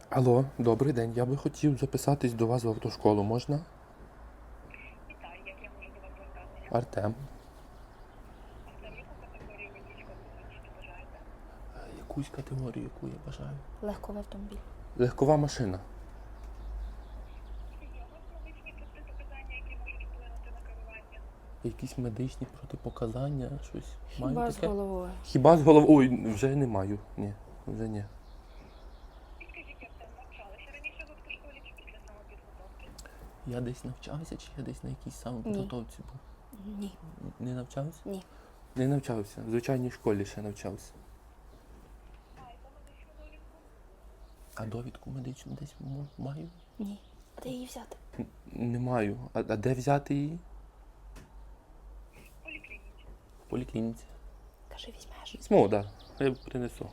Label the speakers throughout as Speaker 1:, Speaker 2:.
Speaker 1: Алло, добрий день. Я би хотів записатись до вас в автошколу. Можна?
Speaker 2: Вітаю, як я можу до вас звертатися?
Speaker 1: Артем.
Speaker 2: Артем, яку категорію водійського посвідчення бажаєте?
Speaker 1: Якусь категорію, яку я бажаю.
Speaker 3: Легковий автомобіль.
Speaker 1: Легкова машина.
Speaker 2: Чи є у вас медичні протипоказання, які можуть вплинути на керування?
Speaker 1: Якісь медичні протипоказання, щось.
Speaker 3: Хіба
Speaker 1: Маю
Speaker 3: з
Speaker 1: таке?
Speaker 3: головою?
Speaker 1: Хіба з головою? Ой, вже не маю. Ні, вже ні.
Speaker 2: Підкажіть, Артем, навчалися раніше в автошколі чи після самопідготовки?
Speaker 1: Я десь навчався, чи я десь на якійсь самопідготовці був?
Speaker 3: Ні.
Speaker 1: Не навчався?
Speaker 3: Ні.
Speaker 1: Не навчався. В звичайній школі ще навчався.
Speaker 2: Маєте медичну довідку?
Speaker 1: А довідку медичну десь маю?
Speaker 3: Ні. А де її взяти?
Speaker 1: Не маю. А де взяти її?
Speaker 2: В поліклініці.
Speaker 1: В поліклініці.
Speaker 3: Кажи, візьмеш.
Speaker 1: Візьму, так. Да. Я принесу.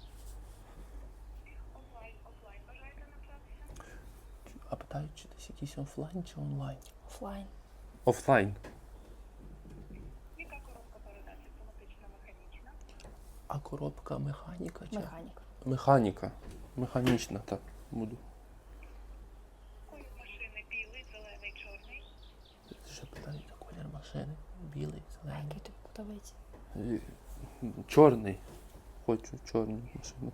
Speaker 2: Онлайн, офлайн бажаєте навчатися?
Speaker 1: А питають, чи десь якийсь офлайн чи онлайн?
Speaker 3: Офлайн.
Speaker 1: Офлайн.
Speaker 2: Яка коробка передач? Автоматична, механічна?
Speaker 1: А коробка механіка чи?
Speaker 3: Механік.
Speaker 1: Механіка. Механічна, так, буду.
Speaker 2: Колір машини білий, зелений, чорний?
Speaker 1: Що питають за колір машини? Білий,
Speaker 3: А
Speaker 1: зелений.
Speaker 3: який тобі подобається?
Speaker 1: Е, Чорний. Хочу чорну машину.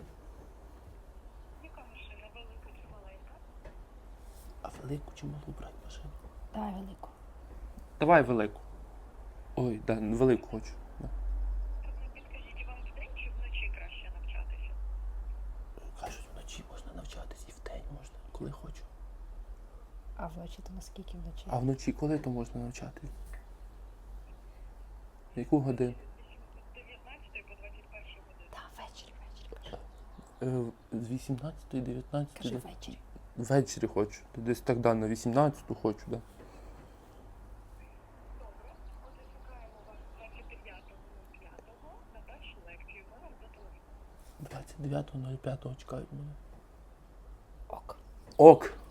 Speaker 2: Яка машина? Велика чи маленька?
Speaker 1: А велику чи малу брати машину?
Speaker 3: Давай велику.
Speaker 1: Давай велику. Ой, да, велику хочу. Да.
Speaker 2: Артем, підкажіть, вам вдень чи вночі краще навчатися?
Speaker 1: Кажуть, вночі можна навчатись і вдень можна, коли хочу.
Speaker 3: А вночі то наскільки вночі?
Speaker 1: А вночі коли то можна навчатись? Яку годину?
Speaker 2: З 19 по 21 годину.
Speaker 3: Та, ввечері, кажи.
Speaker 1: З 18 до 19.
Speaker 3: Кажи ввечері.
Speaker 1: Ввечері хочу. Десь так да, на 18-ту хочу, да.
Speaker 2: Добре. Отже, чекаємо вас 29.05 на першу лекцію. Ми вам зателефонуємо.
Speaker 1: 29.05 чекають мене.
Speaker 3: Ок.
Speaker 1: Ок.